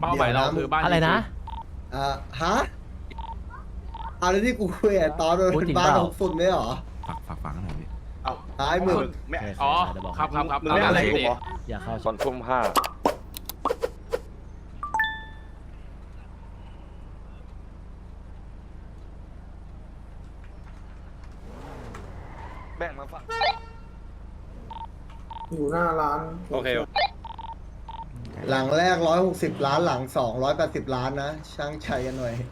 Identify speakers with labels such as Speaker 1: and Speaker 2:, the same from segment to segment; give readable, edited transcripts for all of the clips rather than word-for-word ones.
Speaker 1: เป้าหมายเราคือบ้านอะไรนะ
Speaker 2: ฮะอะไรที่กูคุยตอนโดนบ้านของฝุ่นไม่หรอ
Speaker 3: ฝากกันหน่อยพี่
Speaker 2: เอาตายมึง
Speaker 1: อ๋อครับ
Speaker 2: มึงไม่อะไรกู
Speaker 1: อย่าเข้า
Speaker 4: ตอนทุ่ม5แบ่งมาฝาก
Speaker 2: อยู่หน้าร้าน
Speaker 4: โอเค
Speaker 2: หลังแรก160 ล้านหลัง280 ล้านนะช่างชัยกันหน่อย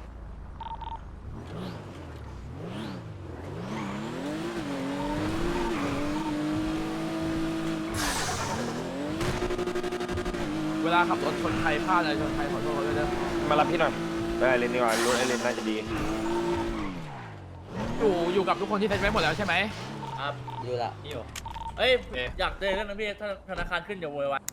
Speaker 1: เวลาขับรถชนใครพลาดอะไรชนใครขอโทษเขาด้วยนะ
Speaker 4: มารับพี่หน่อยไปไอเลนดีกว่ารถไอเลนน่าจะดี
Speaker 1: อยู่กับทุกคนที่เซ็นไว้หมดแล้วใช่ไหม
Speaker 5: ครับอยู่ละอยู่เอ้ยอยากเจอกันนะพี่ถ้าธนาคารขึ้นเดี๋ยวโวยวาย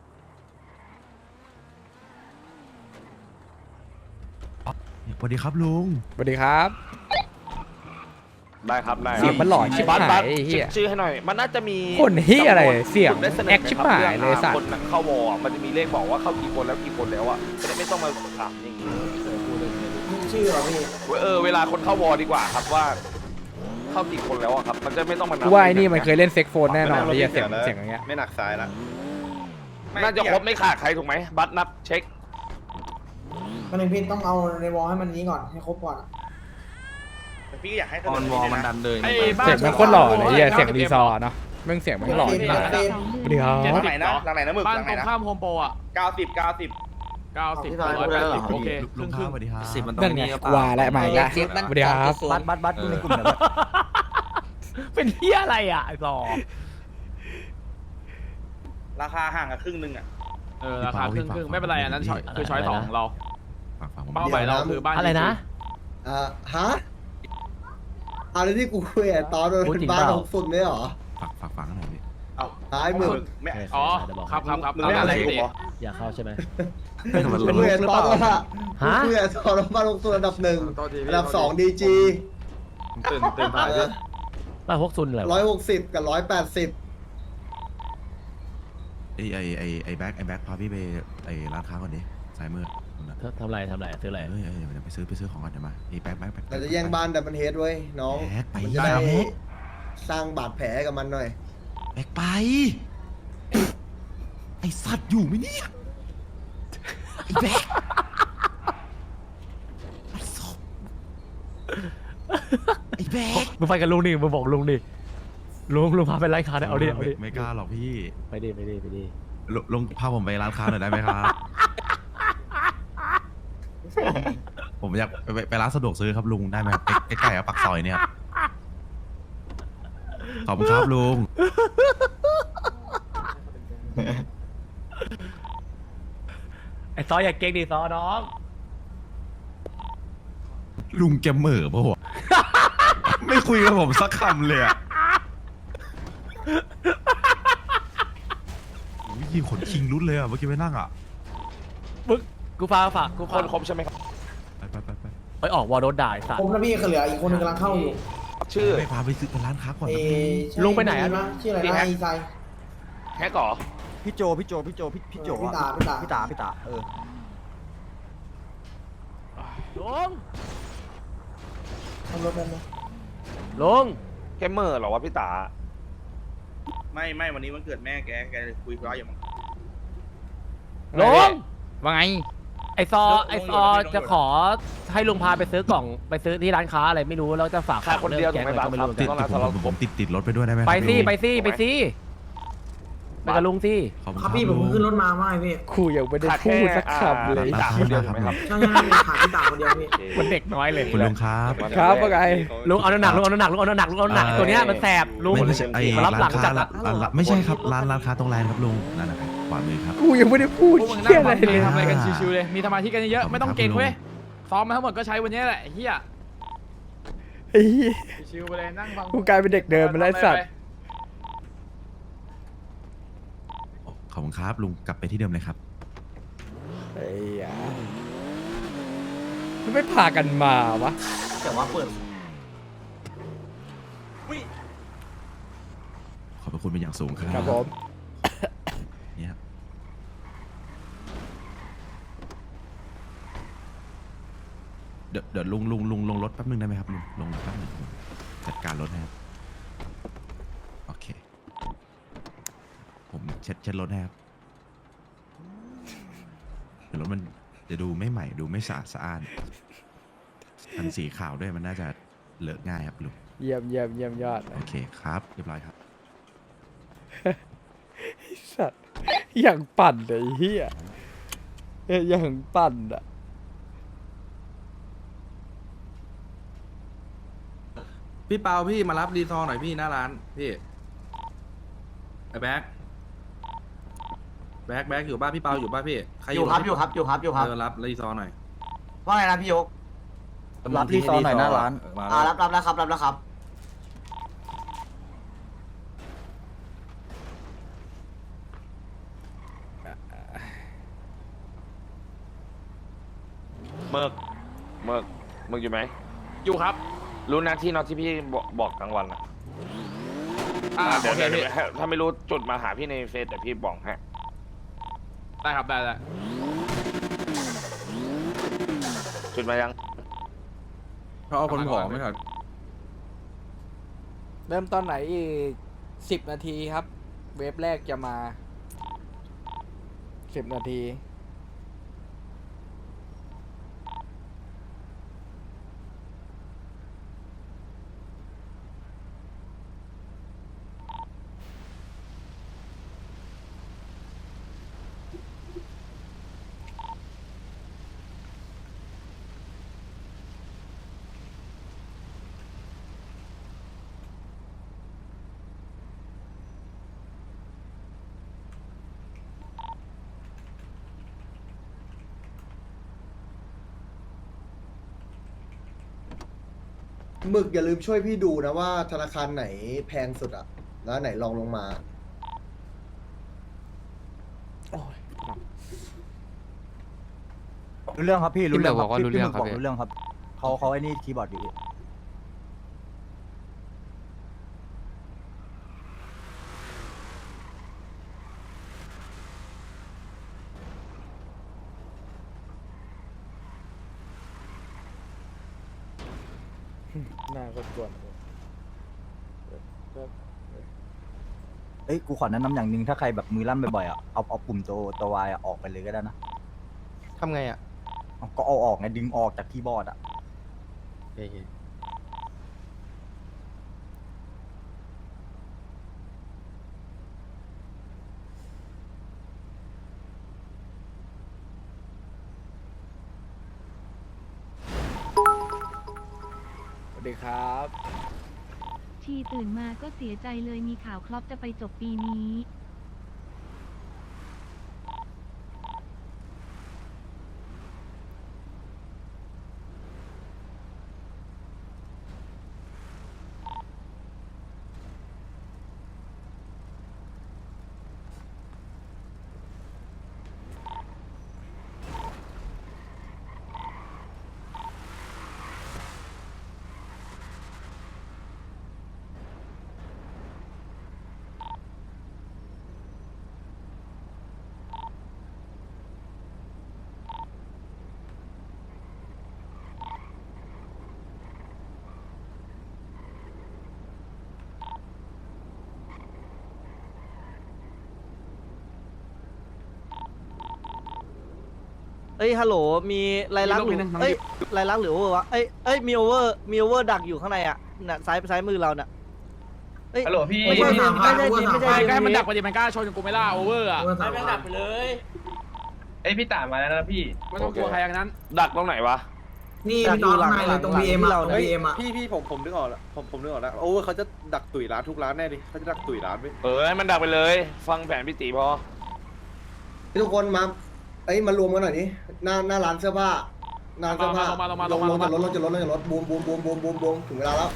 Speaker 3: สวัสดีครับลุง
Speaker 6: สวัสดีครับ
Speaker 4: ได้ครับได้
Speaker 6: เสียงมันหล่อชิบหาย
Speaker 4: บัส
Speaker 6: ไอ้เหี้ย
Speaker 4: ชื่อให้หน่อยมันน่าจะมี
Speaker 6: คนเหี้ยอะไรเสียง
Speaker 4: ได้สน
Speaker 6: แอคชิบหายเลยสัตว์
Speaker 4: คนเข้าวอร์มันจะมีเลขบอกว่าเข้ากี่คนแล้วกี่คนแล้วอ่ะจะได้ไม่ต้องมาถามอย่างนี้
Speaker 2: ชื่อเหรอพี่
Speaker 4: เวลาคนเข้าวอร์ดีกว่าครับว่าเข้ากี่คนแล้วอะครับมันจะไม่ต้องมานับ
Speaker 6: ว่าไอ้นี่มันเคยเล่นเซ็กโฟนแน่นอนไอ้เหี้ยเสียงอย่างเงี้ย
Speaker 4: ไม่หนักสายละน่าจะครบไม่ขาดใครถูกไหมบัตรนับเช็ค
Speaker 2: มันเป็นพี่ต้องเอาในวอลให้มันนี้ก่อนให้ครบก่อน
Speaker 4: พี่อยากให้
Speaker 3: ออนวอลมันดันเลย
Speaker 6: เสียงมันโคตรหล่อเลยไอ้เหี้ยเสียงรีซอร์เนาะแม่งเสียงมันหล่อจริงเดี๋ยว
Speaker 4: หลังไหนนะหลังไหนนะมึก
Speaker 1: บ้าน
Speaker 4: หลังไห
Speaker 1: ต
Speaker 4: น
Speaker 1: รง
Speaker 4: นะ
Speaker 1: ข้ามโฮมโปรอ่ะ
Speaker 4: 90
Speaker 1: 180โอเคค
Speaker 3: ลุ
Speaker 1: รึ่
Speaker 3: ง
Speaker 1: ง
Speaker 3: ข้าวสวัสดีครับ
Speaker 6: นั่นไงว่าและมาอีกแล้วสวัสดีครับ
Speaker 5: บัตรในกลุ่มเดี๋ยว
Speaker 1: เป็นเหี้ยอะไรอ่ะไอ้ซอ
Speaker 4: ราคาห่างกันครึ่งนึงอ่ะ
Speaker 1: ราคาครึ่งไม่เป็นไรอันนั้นคือช้อย2ของเรา
Speaker 3: ฝากผม
Speaker 1: เป้าหมายเราคือบ้านอะไรนะ
Speaker 2: ฮะอะไรที่กูคุยตอนโดนบ้านของฝุ่นไม่หรอ
Speaker 3: ฝากกันหน่อยพี่
Speaker 2: ตายมึง
Speaker 1: อ๋อครับ
Speaker 4: มึงไม่อะไรกู
Speaker 5: อย่าเข้าใช่ไหม
Speaker 2: กูคุยตอนว่ากูคุยตอนบ้านของฝุ่นอันดับ1อันดับ2ดีจี
Speaker 1: ตื่นถ่ายด้วย
Speaker 5: บ้านพวกซุนเหรอ
Speaker 2: 160กับ180
Speaker 3: ไอ้แบ็คพาพี่ไปไอ้ร้านค้าก่อนดิสายมือ
Speaker 5: ทำไรซื้ออะไร
Speaker 3: เดี๋ยวไปซื้อของก่อนเดี๋ยวมาไอ้แบ็ค
Speaker 2: เราจะแย่งบ้านแต่มันเฮดเว้ยน้องมันจะได้สร้างบาดแผลกับมันหน่อย
Speaker 3: แบ็คไปไอ้สัตว์อยู่ไหมเนี่ยไอ้แบ็คไอ้แบ็ค
Speaker 5: มึงไปกับลุงดิมึงบอกลุงดิลุงพาไปร้านค้าได้เอาดิ
Speaker 3: ไม่กล้าหรอกพี่
Speaker 5: ไปดิ
Speaker 3: ลุงพาผมไปร้านค้าหน่อยได้ไหมครับผมอยากไปร้านสะดวกซื้อครับลุงได้ไหมใกล้ๆกับปากซอยเนี่ยขอบคุณครับลุง
Speaker 5: ไอ้ซออย่าเก่งดิซอน้อง
Speaker 3: ลุงแกเหม่อปะวะไม่คุยกับผมสักคำเลยอะยิงขนคิงรุดเลยอะเมื่อกี้ไปนั่งอะ
Speaker 5: มึงกูฝากกู
Speaker 4: คนครบใช่ไหมครับ
Speaker 5: ไปออกวอลโดนด่าสัตว์
Speaker 2: ผมนะพี่เหลืออีกคนนึงกำลังเข้าอยู่
Speaker 4: ชื่อ
Speaker 3: ไปพาไปซื้อร้านค้าก่อนนะ
Speaker 5: ลุงไปไหนอะ
Speaker 2: ชื่ออะไรนะอีไซ
Speaker 4: แฮกก่อ
Speaker 2: พี่โจพี่ตา
Speaker 5: ลุง
Speaker 2: ทำรถได้ไหม
Speaker 5: ลุง
Speaker 4: แกเมอร์หรอวะพี่ตาไม่วันนี้วันเกิดแม่แกคุยร้อยอย่างมั้ง
Speaker 5: ลุงว่าไงไอซอจะขอให้ลุงพาไปซื้อกล่องไปซื้อที่ร้านค้าอะไรไม่รู้แล้วจะฝาก
Speaker 4: คนเดียวถูกไหมบ้างครับ
Speaker 3: ผมติดรถไปด้วยได้ไหม
Speaker 5: ไปสิไปกับลุงสิ
Speaker 2: ครับพี่ผมขึ้นรถมาไม่พี่
Speaker 6: คุยยังไม่ได้พูดสักคำเลย
Speaker 4: ด่าคนเดียวถูกไหมครับ
Speaker 2: ใช่ขาดที่ด่าคนเดียวพี่
Speaker 6: มันเด็กน้อยเลย
Speaker 3: คุณลุงครับ
Speaker 6: ว่าไง
Speaker 5: ลุงเอาหนักตัวเนี้ยมันแสบลุง
Speaker 3: ไม่ใช่ไอ้ร้านค้าไม่ใช่ครับร้านค้าตรงแลนครับลุงนั่นนะครับขวามือครับ
Speaker 6: กูยังไม่ได้พูดเหี้ยอะไรเลย
Speaker 1: ทำอะไรกันชิวๆเลยมีสมาธิกันเยอะไม่ต้องเก่งเว้ยซ้อมมาทั้งหมดก็ใช้วันนี้แหละเฮียชิวไปเลยนั่งฟัง
Speaker 6: กูกลายเป็นเด็กเดิมไปแล้วสัตว์
Speaker 3: ขอบคุณครับลุงกลับไปที่เดิมเลยครับ
Speaker 6: ไอ้ยาไม่พากันมาวะ
Speaker 5: แต่ว่าเปิด
Speaker 3: ขอบพระคุณเป็นอย่างสูงครับ
Speaker 6: ครับผม
Speaker 3: เนี่ยเดี๋ยวลุงลงรถแป๊บนึงได้ไหมครับลุงลงรถแป๊บนึงจัดการรถให้ครับโอเคผมเช็ดรถให้ครับเดี๋ยวรถมันจะดูไม่ใหม่ดูไม่สะอาดอันสีขาวด้วยมันน่าจะเลอะง่ายครับลุง
Speaker 6: เยี่ยมยอด
Speaker 3: โอเคครับเรียบร้อยครับ
Speaker 6: สัตว์อย่างปั่นเลยไอ้เฮียอย่างปั่นอ่ะ
Speaker 7: พี่เปาพี่มารับรีซอร์หน่อยพี่หน้าร้านพี่ไอ้แบ็คอยู่บ้านพี่เปาอยู่บ้านพี่ใคร
Speaker 8: อยู่ครับอยู่ครับ
Speaker 7: รับรีซอร์หน่อย
Speaker 8: ว่าไงนะพี่ยก
Speaker 7: รับรีซอร์หน่อยหน้าร้าน
Speaker 8: รับแล้วครับ
Speaker 9: เมิกอยู่ไหม
Speaker 1: อยู่ครับ
Speaker 9: รู้นะที่น็อตที่พี่บอกกลางวันอะ เดี๋
Speaker 1: โอ
Speaker 9: ยว
Speaker 1: เคพี่
Speaker 9: ถ้าไม่รู้จุดมาหาพี่ในเฟซแต่พี่บอกให้
Speaker 1: ได้ครับได้
Speaker 9: จุดมายัง
Speaker 7: เขาเอาคนผอมไหมครับ
Speaker 6: เริ่มตอนไหนอีก10 นาทีครับ เวฟแรกจะมา10 นาที
Speaker 2: หมึกอย่าลืมช่วยพี่ดูนะว่าธนาคารไหนแพงสุดอะแล้วไหนลองลงมา
Speaker 8: รู้เรื่องครับพี่รู้เรื่อง
Speaker 5: บอกว่ารู้เรื่องครับ
Speaker 8: รู้เรื่องครับเขาไอ้นี่คีย์บอร์ดอยู่
Speaker 6: หน้าก็กวน
Speaker 8: เอ้ยกูขอแนะนำอย่างหนึ่งถ้าใครแบบมือลั่นบ่อยๆอ่ะเอาปุ่มตัววายออกไปเลยก็ได้นะ
Speaker 5: ทำไงอ่ะ
Speaker 8: ก็เอาออกไงดึงออกจากคีย์บอร์ดอ่ะ
Speaker 6: สวัสดีครับ
Speaker 10: ชีตื่นมาก็เสียใจเลยมีข่าวครอปจะไปจบปีนี้
Speaker 8: เอ้ยฮัลโหลมีลายลักษณ์หรือเอ้ยลายลักษณ์หรือโอเวอร์วะเอ้ยมีโอเวอร์ดักอยู่ข้างในอ่ะน่ะซ้ายมือเราน่ะเอ้ย
Speaker 9: ฮัลโหลพี่
Speaker 8: ไม่ใช่ไม่ใช่
Speaker 1: ใกล้มันดักไปดิมันกล้าชนกับกูไม่ล่าโอเวอร์อะ
Speaker 8: ไม่แม่งดักไปเลย
Speaker 9: เอ้ยพี่ต่ามาแล้วนะพี่
Speaker 1: ไม่ต้องกลัวใครอย่างนั้น
Speaker 9: ดักตรงไหนวะ
Speaker 8: นี่พี่น้องข้างในเลยตรง BM เรานะ BM อ่ะ
Speaker 4: พี่ผมนึกออกแล้วผมนึกออกแล้วโอ้เขาจะดักตุ๋ยร้านทุกร้านแน่ดิเขาจะดักตุ๋ยร้านไป
Speaker 9: ให้มันดักไปเลย ฟังแผนพี่ตีพอ
Speaker 2: ทุกคนมา เอ้ยมารวมกันหน่อยนี่หน้าร้านเสื้อผ้าร้านเสื้อผ้าลงจากรถบูมถึงเวลาแล้ว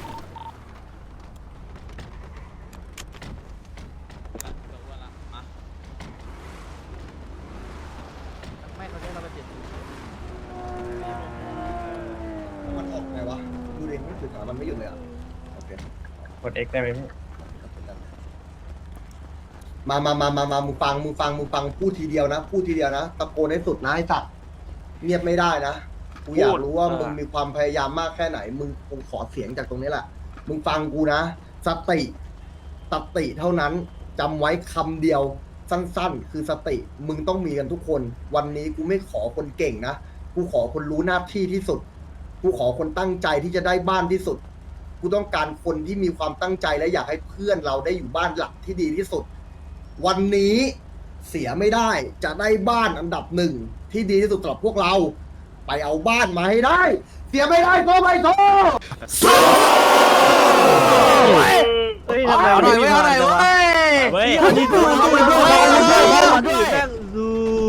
Speaker 5: ไม่เขาได้เราไปเปลี่ยน
Speaker 2: มันออกไงวะดูดิไม่ถึงมันไม่หยุดเลยอ่ะโอเค
Speaker 9: กด X ได้ไหมพี่
Speaker 2: มามึงฟังพูดทีเดียวนะตะโกนให้สุดนะไอ้สัตว์เงียบไม่ได้นะกูอยากรู้ว่ามึงมีความพยายามมากแค่ไหนมึงคงขอเสียงจากตรงนี้แหละมึงฟังกูนะสติเท่านั้นจำไว้คำเดียวสั้นๆคือสติมึงต้องมีกันทุกคนวันนี้กูไม่ขอคนเก่งนะกูขอคนรู้หน้าที่ที่สุดกูขอคนตั้งใจที่จะได้บ้านที่สุดกูต้องการคนที่มีความตั้งใจและอยากให้เพื่อนเราได้อยู่บ้านหลักที่ดีที่สุดวันนี้เสียไม่ได้จะได้บ้านอันดับหนึ่งที่ดีที่สุดสำหรับพวกเราไปเอาบ้านมาให้ได้เสียไม่ได้ก็ไม่โทษ
Speaker 8: เฮ้ยทำไมวันนี้มีพลังจังวะ
Speaker 5: เว้ย
Speaker 8: วันนี้ดูดูดูแม่งดู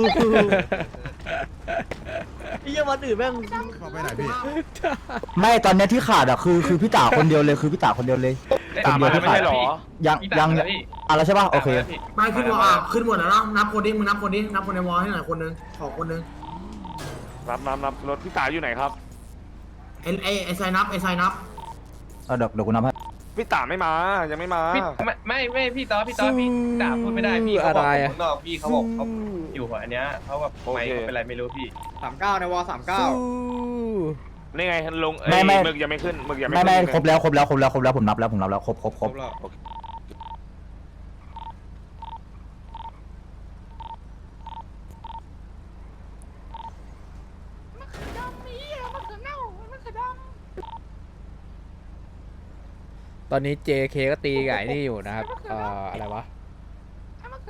Speaker 8: ไอ้เหี้ยวันอื่นแม่ง
Speaker 3: ไปไหนพี่
Speaker 11: ไม่ตอนเนี้ยที่ขาดอ่ะคือพี่ตาคนเดียวเลยคือพี่ตาคนเดียวเลย
Speaker 9: ตามมาไม่ใช่หรอ
Speaker 11: ยังอะไรใช่ป่ะโอเค
Speaker 12: ไม่ขึ้นวอลขึ้นหมดแล้วเนาะนับคนดิมึงนับคนดินับคนในวอลให้หน่อยคนนึงขอคนนึง
Speaker 9: รับรถพี่ตาอยู่ไหนครับ
Speaker 12: ไอ้ไซนับไอ้ไซนับ
Speaker 11: เดี๋ยวกูนับให้
Speaker 9: พี่ตาไม่มายังไม่มา
Speaker 6: ไม่พี่ต่อพี่ด่าพูดไม่ได้พี่เขาบอกผมนอกพี่เขาบอกเขาอยู่อันเนี้ยเขาแบบไม่เป็นไรไม่รู้พี่
Speaker 7: 39ในวอ39
Speaker 9: นี่ไงลงมึกยังไม่ขึ้นมึกยังไม่
Speaker 11: ไม่ครบแล้วผมนับแล้วครบครบ
Speaker 6: ตอนนี้ JK ก็ตีกับไอ้นี่อยู่นะครับอะไรวะ